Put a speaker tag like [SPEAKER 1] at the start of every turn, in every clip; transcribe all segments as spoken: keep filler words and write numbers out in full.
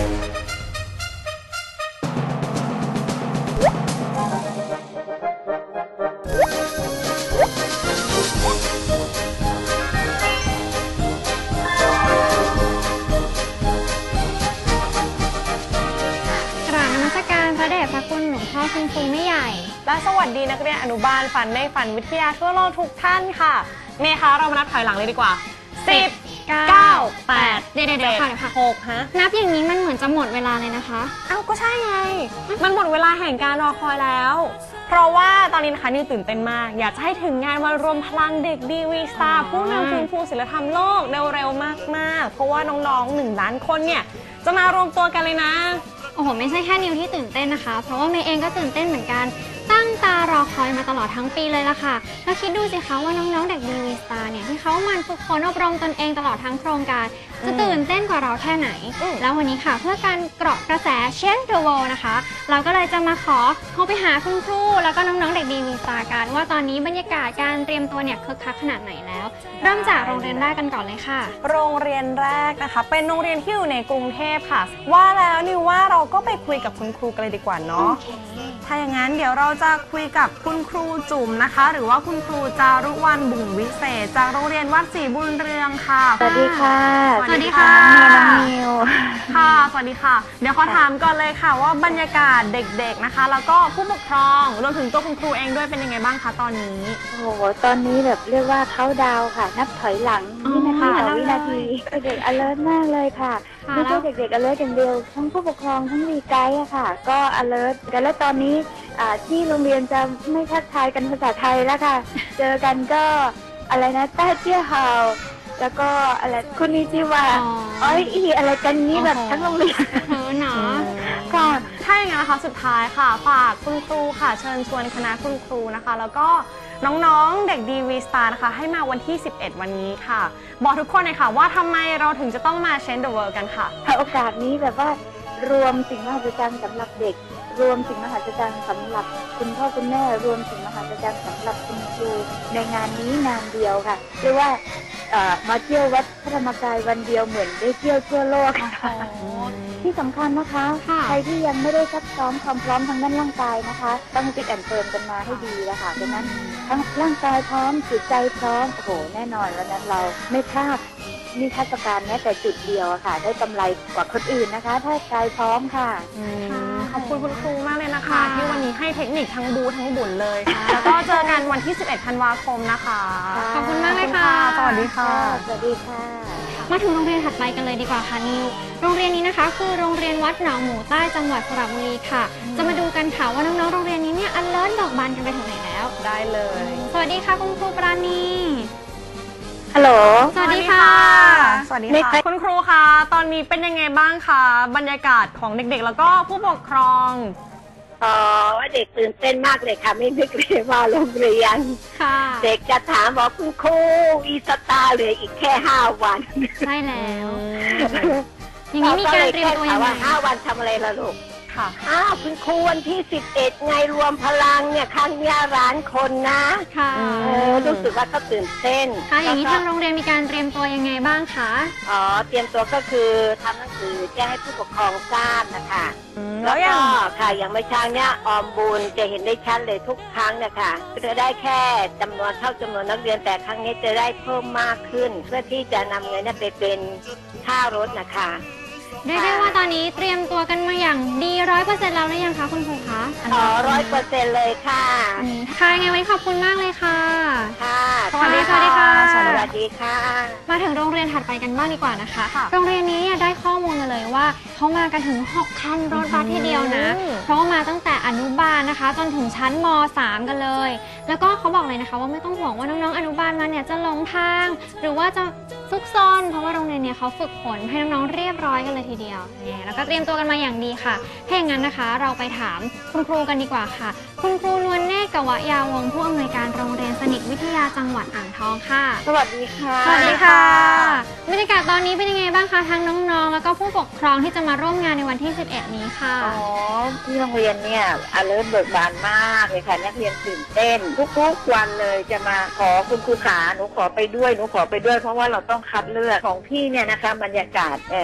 [SPEAKER 1] คุณครูไม่ใหญ่
[SPEAKER 2] และสวัสดีนักเรียนอนุบาลฝันในฝันวิทยาทั่วโลกทุกท่านค่ะเมย์คะเรามานับถอยหลังเลยดีกว่าสิบ เก้า แปด
[SPEAKER 1] เดี๋ยวเดี๋ยวค่ะเดี๋ยวค่ะ
[SPEAKER 2] หกฮะ
[SPEAKER 1] นับอย่างนี้มันเหมือนจะหมดเวลาเลยนะคะ
[SPEAKER 2] เอ้าก็ใช่ไงมันหมดเวลาแห่งการรอคอยแล้วเพราะว่าตอนนี้นะคะนิวตื่นเต้นมากอยากจะให้ถึงงานวันรวมพลังเด็กดีวีสตาร์ผู้นำฟื้นฟูศิลธรรมโลกเร็วๆมากๆเพราะว่าน้องๆหนึ่งล้านคนเนี่ยจะมารวมตัวกันเลยนะ
[SPEAKER 1] โอ้โหไม่ใช่แค่นิวที่ตื่นเต้นนะคะเพราะว่าเมย์เองก็ตื่นเต้นเหมือนกันตั้งตารอคอยมาตลอดทั้งปีเลยล่ะค่ะแล้วคิดดูสิคะว่าน้องๆเด็กดีวีสตาร์เนี่ยที่เขามันฝึกฝนอบรมตนเองตลอดทั้งโครงการจะตื่นเต้นกว่าเราแค่ไหนแล้ววันนี้ค่ะเพื่อการเกาะกระแส Change the World นะคะเราก็เลยจะมาขอโทรไปหาคุณครูแล้วก็น้องๆเด็กดีวีสตาร์กันว่าตอนนี้บรรยากาศการเตรียมตัวเนี่ยคึกคักขนาดไหนแล้วเริ่มจากโรงเรียนแรกกันก่อนเลยค่ะ
[SPEAKER 2] โรงเรียนแรกนะคะเป็นโรงเรียนที่อยู่ในกรุงเทพค่ะว่าแล้วนิวว่าเราก็ไปคุยกับคุณครูกันเลยดีกว่าเนาะ okay. ถ้าอย่างนั้นเดี๋ยวเราจะคุยกับคุณครูจุ๋มนะคะหรือว่าคุณครูจารุวรรณบุ่งวิเศษจากโรงเรียนวัดศรีบุญเรืองค่ะ
[SPEAKER 3] สวัสดีค่ะ
[SPEAKER 1] สวัสดีค่ะ
[SPEAKER 3] นิว
[SPEAKER 2] ค่ะสวัสดีค่ะเดี๋ยวขอถามก่อนเลยค่ะว่าบรรยากาศเด็กๆนะคะแล้วก็ผู้ปกครองรวมถึงตัวคุณครูเองด้วยเป็นยังไงบ้างคะตอนนี้
[SPEAKER 3] โอ้โหตอนนี้แบบเรียกว่าเขาดาวค่ะนับถอยหลังวินาทีต่อวินาทีเด็ก alert มากเลยค่ะไม่ใช่เด็กๆ alert อย่างเดียวทั้งผู้ปกครองทั้งรีไกด์อะค่ะก็ alert กันแล้วตอนนี้ที่โรงเรียนจะไม่ทักทายกันภาษาไทยแล้วค่ะเจอกันก็อะไรนะต้าเจี้ยเฮาแล้วก็อะไรคุณนิจิวะอ๋ออีอะไรกันนี้แบบทั้งโรงเรียน
[SPEAKER 1] เออเนาะ
[SPEAKER 2] ก่อนถ้าอย่างนั้นนะคะสุดท้ายค่ะฝากคุณครูค่ะเชิญชวนคณะคุณครูนะคะแล้วก็น้องๆเด็กดีวีสตาร์นะคะให้มาวันที่สิบเอ็ดวันนี้ค่ะบอกทุกคนเลยค่ะว่าทำไมเราถึงจะต้องมา Change the World กันค่ะ
[SPEAKER 3] โอกาสนี้แบบว่ารวมสิ่งมหัศจรรย์สำหรับเด็กรวมสิ่งมหัศจรรย์สำหรับคุณพ่อคุณแม่รวมสิ่งมหัศจรรย์สำหรับคุณครูในงานนี้งานเดียวค่ะเรียกว่ามาเที่ยววัดพระธรรมกายวันเดียวเหมือนได้เที่ยวทั่วโลกค่ะที่สำคัญนะคะใครที่ยังไม่ได้ซักซ้อมความพร้อมทางด้านร่างกายนะคะต้องฟิตแอนด์เฟิร์มกันมาให้ดีแล้วค่ะดังนั้นทั้งร่างกายพร้อมจิตใจพร้อมโอ้โหแน่นอนวันนั้นเราไม่พลาดนิทรรศการแม้แต่จุดเดียวค่ะได้กำไรกว่าคนอื่นนะคะถ้ากายพร้อมค่ะ
[SPEAKER 2] ขอบคุณคุณครูมากเลยนะคะที่วันนี้ให้เทคนิคทั้งบูทั้งบุญเลยแล้วก็เจอกันวันที่สิบเอ็ดธันวาคมนะคะ
[SPEAKER 1] ขอบคุณมากเลยค่ะ
[SPEAKER 2] สวัสดีค่ะ
[SPEAKER 3] สวัสดีค่ะ
[SPEAKER 1] มาถึงโรงเรียนถัดไปกันเลยดีกว่าค่ะนิวโรงเรียนนี้นะคะคือโรงเรียนวัดหนองหมูใต้จังหวัดสระบุรีค่ะจะมาดูกันค่ะว่าน้องๆโรงเรียนนี้เนี่ยอันเลิศดอกบานกันไปถึงไหนแล้ว
[SPEAKER 2] ได้เลย
[SPEAKER 1] สวัสดีค่ะคุณครูปราณี
[SPEAKER 3] ฮัลโหล
[SPEAKER 1] สวัสดีค่ะ
[SPEAKER 2] สวัสดีค่ะคุณครูคะตอนนี้เป็นยังไงบ้างคะบรรยากาศของเด็กๆแล้วก็ผู้ปกครอง
[SPEAKER 4] อ๋อว่าเด็กตื่นเต้นมากเลยค่ะไม่นึกเลยว่าโรงเรียนเด็กจะถามบอกคุณครูอีสตาร์เหลืออีกแค่ห้าวัน
[SPEAKER 1] ใช่แล้วอย่างนี้มีการเตรียมตัวยังไง
[SPEAKER 4] ห้าวันทำอะไรล่ะลูก
[SPEAKER 2] ค่ะ
[SPEAKER 4] อ้าวคุณครูวันที่สิบเอ็ดไงรวมพลังเนี่ยครั้งนี้ร้านคนนะ
[SPEAKER 1] ค่ะ
[SPEAKER 4] เออรู้สึกว่าก็ตื่นเต้น
[SPEAKER 1] ค่ะอย่างนี้ทางโรงเรียนมีการเตรียมตัวยังไงบ้างคะ
[SPEAKER 4] อ๋อเตรียมตัวก็คือทำหนังสือแจ้งให้ผู้ปกครองทราบนะคะแล้วก็ค่ะอย่างเมื่อเช้าเนี้ยออมบุญจะเห็นได้ชัดเลยทุกครั้งนะคะจะได้แค่จำนวนเท่าจำนวนนักเรียนแต่ครั้งนี้จะได้เพิ่มมากขึ้นเพื่อที่จะนำเงินไปเป็นค่ารถนะคะ
[SPEAKER 1] เรียกได้ว่าตอนนี้เตรียมตัวกันมาอย่างดีร้อยเปอร์เซ็นต์แล้วหรือยังคะคุณครูคะ
[SPEAKER 4] อ๋อร้อยเปอร์เซ็นต์เลยค่ะ
[SPEAKER 1] ค่ะยังไงวันนี้ขอบคุณมากเลยค่ะ
[SPEAKER 4] ค่ะ
[SPEAKER 1] สวัสดีค่ะ
[SPEAKER 4] สวัสดีค่ะ
[SPEAKER 1] มาถึงโรงเรียนถัดไปกันบ้างดีกว่านะคะโรงเรียนนี้เนี่ยได้ข้อมูลมาเลยว่าเขามากันถึงหกคันรถบัสทีเดียวนะเพราะว่ามาตั้งแต่อนุบาลนะคะจนถึงชั้นม.สาม กันเลยแล้วก็เขาบอกเลยนะคะว่าไม่ต้องห่วงว่าน้องๆอนุบาลมาเนี่ยจะหลงทางหรือว่าจะซุกซนเพราะว่าโรงเรียนเนี่ยเขาฝึกฝนให้น้องๆเรียบร้อยกันเลยทีเดียวเนี่ยแล้วก็เตรียมตัวกันมาอย่างดีค่ะถ้าอย่างนั้นนะคะเราไปถามคุณครูกันดีกว่าค่ะคุณครูนวลเนตร กวะยาวงศ์ผู้อำนวยการโรงเรียนสนิทวิทยาจังหวัดอ่างทองค่ะ
[SPEAKER 4] สวัสดีค่ะ
[SPEAKER 1] สวัสดีค่ะบรรยากาศตอนนี้เป็นยังไงบ้างคะทั้งน้องๆแล้วก็ผู้ปกครองที่จะมาร่วมงานในวันที่สิบเอ็ดนี้ค่ะ
[SPEAKER 4] อ๋อที่โรงเรียนเนี่ยอเลิร์เบิกบานมากเลยค่ะนักเรียนตื่นเต้นทุกๆวันเลยจะมาขอคุณครูขาหนูขอไปด้วยหนูขอไปด้วยเพราะว่าเราต้องคัดเลือกของพี่เนี่ยนะคะบรรยากาศเออ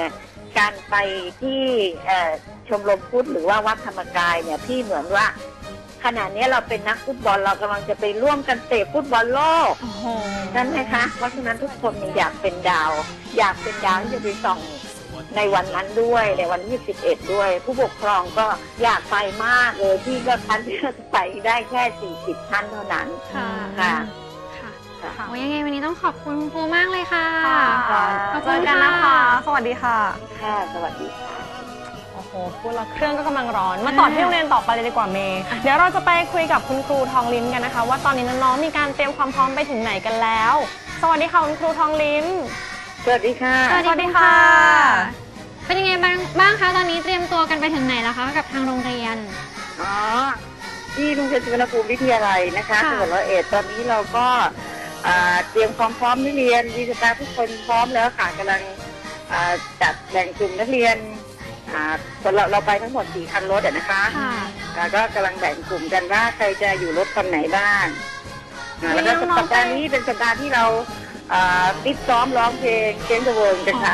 [SPEAKER 4] การไปที่ชมรมพุทธหรือว่าวัดธรรมกายเนี่ยพี่เหมือนว่าขณะนี้เราเป็นนักฟุตบอลเรากำลังจะไปร่วมกันเตะฟุตบอลโลกนั่นไหมคะเพราะฉะนั้นทุกคนอยากเป็นดาว อยากเป็นดาวที่จะไปส่องในวันนั้นด้วยในวันที่สิบเอ็ดด้วย ผู้ปกครองก็อยากไปมากเลยที่ก็ทันที่จะไปได้แค่สี่สิบท่านเท่านั้นค่ะค่ะ
[SPEAKER 1] ค่ะโอ้ยังไงวันนี้ต้องขอบคุณคุณครูมากเลยค่ะ
[SPEAKER 2] ขอบคุณกันนะคะสวัสดีค่ะ
[SPEAKER 4] ค่ะสวัสดีค่ะ
[SPEAKER 2] โอ้โหพูดแล้วเครื่องก็กำลังร้อนมาต่อที่โรงเรียนต่อไปเลยดีกว่าเมย์เดี๋ยวเราจะไปคุยกับคุณครูทองลิ้มกันนะคะว่าตอนนี้น้องๆมีการเตรียมความพร้อมไปถึงไหนกันแล้วสวัสดีค่ะคุณครูทองลิ้ม
[SPEAKER 4] สวัสดีค่ะ
[SPEAKER 1] สวัสดีค่ะเป็นยังไงบ้างบ้างคะตอนนี้เตรียมตัวกันไปถึงไหนแล้วคะกับทางโรงเรียน
[SPEAKER 4] อ๋อที่โรงเรียนสุวรรณภูมิวิทยาลัยนะคะจังหวัดร้อยเอ็ดตอนนี้เราก็เตรียมความพร้อมนักเรียนวิชาการทุกคนพร้อมแล้วค่ะกำลังจัดแบ่งกลุ่มนักเรียนเราเราไปทั้งหมดสี่คันรถนะคะก็กำลังแบ่งกลุ่มกันว่าใครจะอยู่รถคันไหนบ้างแล้วก็สัปดาห์นี้เป็นสัปดาห์ที่เราฟิตซ้อมร้องเพลงเชนเดอะเวิร์กันค่ะ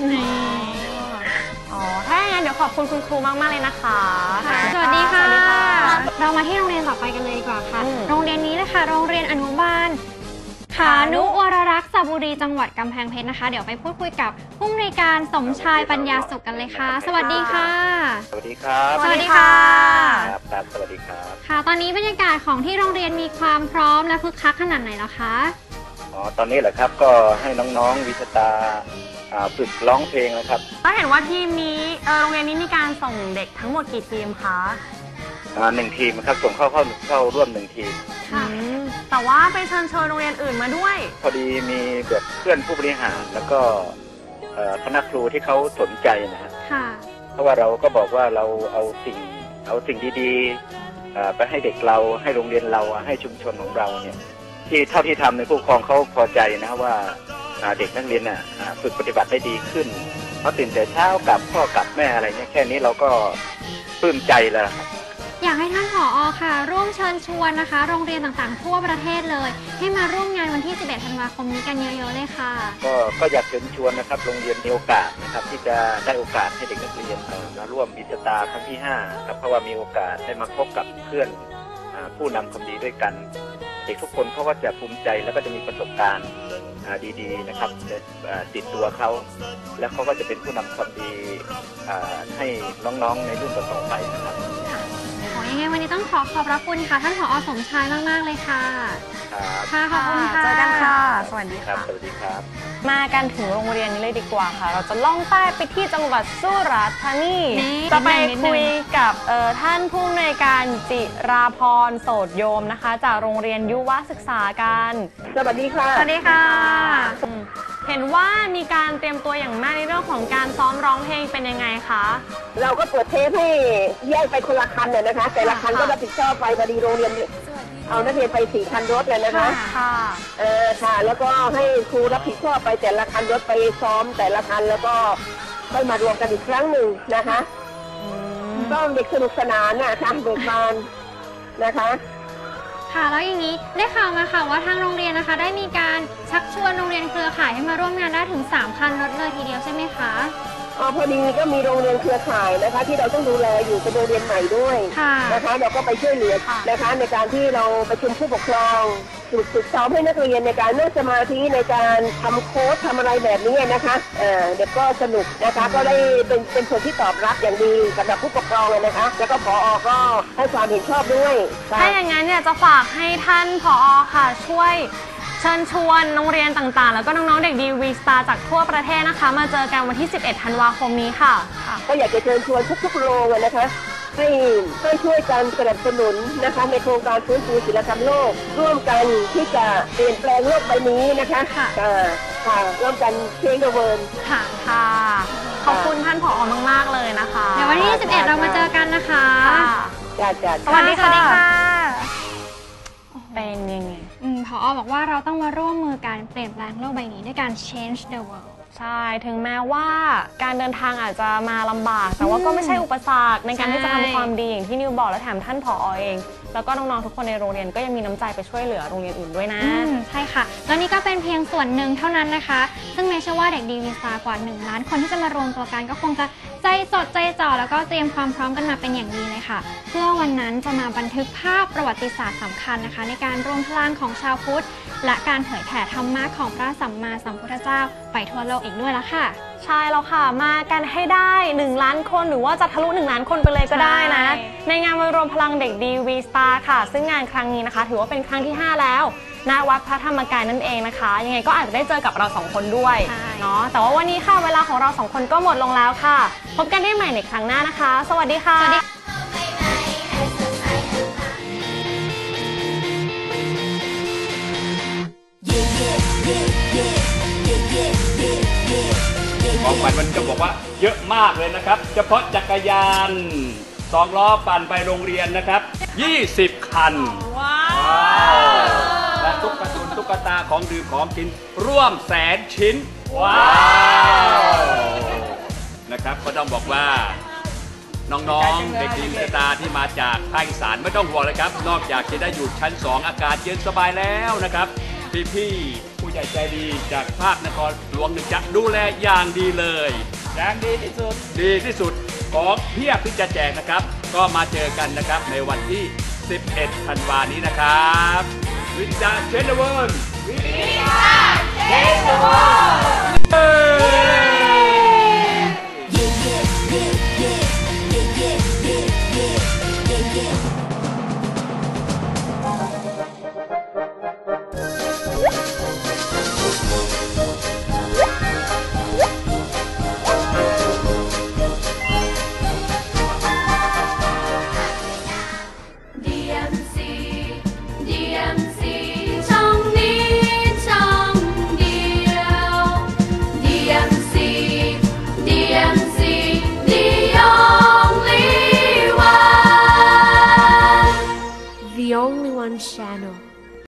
[SPEAKER 2] อ๋อถ้าอย่างนั้นเดี๋ยวขอบคุณคุณครูมากมากเลยนะคะ
[SPEAKER 1] สวัสดีค่ะเรามาที่โรงเรียนต่อไปกันเลยดีกว่าค่ะโรงเรียนนี้นะคะโรงเรียนอนุบาลขานุวรรักษ์สระบุรีจังหวัดกำแพงเพชรนะคะเดี๋ยวไปพูดคุยกับผู้อำนวยการสมชายปัญญาสุขกันเลยค่ะสวัสดีค่ะ
[SPEAKER 5] สวัสดีครับ
[SPEAKER 1] สวัสดีค่ะ
[SPEAKER 5] ครับครับสวัสดีครับ
[SPEAKER 1] ค่ะตอนนี้บรรยากาศของที่โรงเรียนมีความพร้อมและคึกคักขนาดไหนแล้วคะ
[SPEAKER 5] อ๋อตอนนี้เหรอครับก็ให้น้องๆวิชาตาฝึกร้องเพลงนะครับ
[SPEAKER 2] ก็เห็นว่าทีมนี้โรงเรียนนี้มีการส่งเด็กทั้งหมดกี่ทีมคะ
[SPEAKER 5] หนึ่งทีมครับส่งเข้าเข้าเข้าร่วมหนึ่งทีม
[SPEAKER 2] แต่ว่าไปเชิญชวนโรงเรียนอื่นมาด้วย
[SPEAKER 5] พอดีมีแบบเพื่อนผู้บริหารแล้วก็คณะครูที่เขาสนใจนะฮะเพราะว่าเราก็บอกว่าเราเอาสิ่งเอาสิ่งดีๆไปให้เด็กเราให้โรงเรียนเราให้ชุมชนของเราเนี่ยที่เท่าที่ทำในผู้ปกครองเขาพอใจนะว่าเด็กนักเรียนน่ะฝึกปฏิบัติได้ดีขึ้นเพราะตื่นแต่เช้ากับพ่อกับแม่อะไรเนี่ยแค่นี้เราก็ปลื้มใจแล้วครับ
[SPEAKER 1] อยากให้ท่านผอ.ค่ะร่วมเชิญชวนนะคะโรงเรียนต่างๆทั่วประเทศเลยให้มาร่วมงานวันที่สิบเอ็ดธันวาคมนี้กันเยอะๆเลยค่ะ
[SPEAKER 5] ก็ก็อยากเชิญชวนนะครับโรงเรียนมีโอกาสนะครับที่จะได้โอกาสให้เด็กนักเรียนมาร่วมวิชาตาครั้งที่ห้าครับเพราะว่ามีโอกาสได้มาพบกับเพื่อนผู้นำความดีด้วยกันเด็กทุกคนเขาก็จะภูมิใจแล้วก็จะมีประสบการณ์ดีๆนะครับติดตัวเขาแล้วเขาก็จะเป็นผู้นำความดีให้น้องๆในรุ่นต่อๆไปนะครับ
[SPEAKER 1] ขอยังไงวันนี้ต้องขอขอบพระคุณค่ะท่านผอ.สมชายมากๆเลยค่ะค่ะขอบคุณค่ะ
[SPEAKER 2] เจอกันค่ะสวัสดี
[SPEAKER 5] ครับสวัสดีครับ
[SPEAKER 2] มากันถึงโรงเรียนนี้เลยดีกว่าค่ะเราจะล่องใต้ไปที่จังหวัดสุราษฎร์ธานีจะไปคุยกับท่านผู้อำนวยการจิราพรโสดโยมนะคะจากโรงเรียนยุวศึกษากัน
[SPEAKER 4] สวัสดีค่ะ
[SPEAKER 1] สวัสดีค่ะ
[SPEAKER 2] เห็นว่ามีการเตรียมตัวอย่างมากในเรื่องของการซ้อมร้องเพลงเป็นยังไงคะ
[SPEAKER 4] เราก็เปิดเทปให้แยกไปคนละคันเลยนะคะแต่ละคันก็รับผิดชอบไปพอดีโรงเรียนเอานักเรียนไปสี่คันรถเลยนะคะค่ะเออค่ะแล้วก็ให้ครูรับผิดชอบไปแต่ละคันรถไปซ้อมแต่ละคันแล้วก็ค่อยมารวมกันอีกครั้งหนึ่งนะคะก็เด็กสนุกสนานนะคะเบิกบานนะคะ
[SPEAKER 1] ค่ะแล้วอย่างนี้ได้ข่าวมาค่ะว่าทางโรงเรียนนะคะได้มีการชักชวนโรงเรียนเครือข่ายให้มาร่วมงานได้ถึงสามคันรถเลยทีเดียวใช่ไหมคะ
[SPEAKER 4] อ๋อพอดีก็มีโรงเรียนเครือข่ายนะคะที่เราต้องดูแลอยู่เป็นโรงเรียนใหม่ด้วยนะคะเราก็ไปช่วยเหลือนะคะในการที่เราประชุมผู้ปกครองฝึกฝึกซ้อมให้นักเรียนในการนั่งสมาธิในการทำโค้ดทำอะไรแบบนี้นะคะเอ่อเด็กก็สนุกนะคะก็ได้เป็นเป็นผลที่ตอบรับอย่างดีสำหรับผู้ปกครองเลยนะคะแล้วก็ผอ.ก็ให้ความเห็นชอบด้วย
[SPEAKER 2] ถ้าอย่างนั้นเนี่ยจะฝากให้ท่านผอ.ค่ะช่วยเชิญชวนโรงเรียนต่างๆแล้วก็น้องๆเด็กดีวีสตาร์จากทั่วประเทศนะคะมาเจอกันวันที่สิบเอ็ดธันวาคมนี้ค่ะ
[SPEAKER 4] ก็อยากจะเชิญชวนทุกๆโรงนะคะให้ให้ช่วยกันสนับสนุนนะคะในโครงการฟื้นฟูศิลธรรมโลกร่วมกันที่จะเปลี่ยนแปลงโลกใบนี้นะคะค่ะค่ะร่วมกันเชนเดอร์เวิร์น
[SPEAKER 2] ค่ะค่ะขอบคุณท่านผอ.มากๆเลยนะคะ
[SPEAKER 1] เดี๋ยววันที่สิบเอ็ดเรามาเจอกันนะคะ
[SPEAKER 4] จ้าจ้า
[SPEAKER 2] สวัสดีค่ะเป็นยังไง
[SPEAKER 1] ผอ.บอกว่าเราต้องมาร่วมมือการเปลี่ยนแปลงโลกใบนี้ด้วยการ change the world
[SPEAKER 2] ใช่ถึงแม้ว่าการเดินทางอาจจะมาลำบากแต่ว่าก็ไม่ใช่อุปสรรคในการที่จะทำความดีอย่างที่นิวบอกและแถมท่านผอ.เองแล้วก็น้องๆทุกคนในโรงเรียนก็ยังมีน้ำใจไปช่วยเหลือโรงเรียนอื่นด้วยนะ
[SPEAKER 1] ใช่ค่ะแล้วนี่ก็เป็นเพียงส่วนหนึ่งเท่านั้นนะคะซึ่งเมย์เชื่อว่าเด็กดีวีสตาร์กว่าหนึ่งล้านคนที่จะมารวมตัวกันก็คงจะใจจดใจจ่อแล้วก็เตรียมความพร้อมกันมาเป็นอย่างดีเลยค่ะเพื่อวันนั้นจะมาบันทึกภาพประวัติศาสตร์สำคัญนะคะในการรวมพลังของชาวพุทธและการเผยแผ่ธรรมะของพระสัมมาสัมพุทธเจ้าไปทั่วโลกอีกด้วยละค่ะ
[SPEAKER 2] ใช่แล้วค่ะมากันให้ได้หนึ่งล้านคนหรือว่าจะทะลุหนึ่งล้านคนไปเลยก็ได้นะในงานวันรวมพลังเด็กดีวีสตาร์ค่ะซึ่งงานครั้งนี้นะคะถือว่าเป็นครั้งที่ห้าแล้วณวัดพระธรรมกายนั่นเองนะคะยังไงก็อาจจะได้เจอกับเราสองคนด้วยเนาะแต่ว่าวันนี้ค่ะเวลาของเราสองคนก็หมดลงแล้วค่ะพบกันได้ใหม่ในครั้งหน้านะคะสวัสดีค่ะ
[SPEAKER 6] ของขวัญวันนี้จะบอกว่าเยอะมากเลยนะครับเฉพาะจักรยานสองล้อปั่นไปโรงเรียนนะครับยี่สิบคันว้าวและตุ๊กตาตุ๊กตาของดื่มของกินร่วมแสนชิ้นว้าวนะครับก็ต้องบอกว่าน้องๆเด็กดีสตาร์ที่มาจากภาคอีสานไม่ต้องห่วงเลยครับนอกจากจะได้อยู่ชั้นสองอากาศเย็นสบายแล้วนะครับพี่ๆผู้ใหญ่ใจดีจากภาคนครหลวงจะดูแลอย่างดีเลยอย่างดีที่สุดดีที่สุดของเพียบที่จะแจกนะครับก็มาเจอกันนะครับในวันที่สิบเอ็ดธันวาคมนี้นะครับวิจารณ์เชนเวิร์นวิจารณ์เชนเวิร์น
[SPEAKER 7] The Only One Channel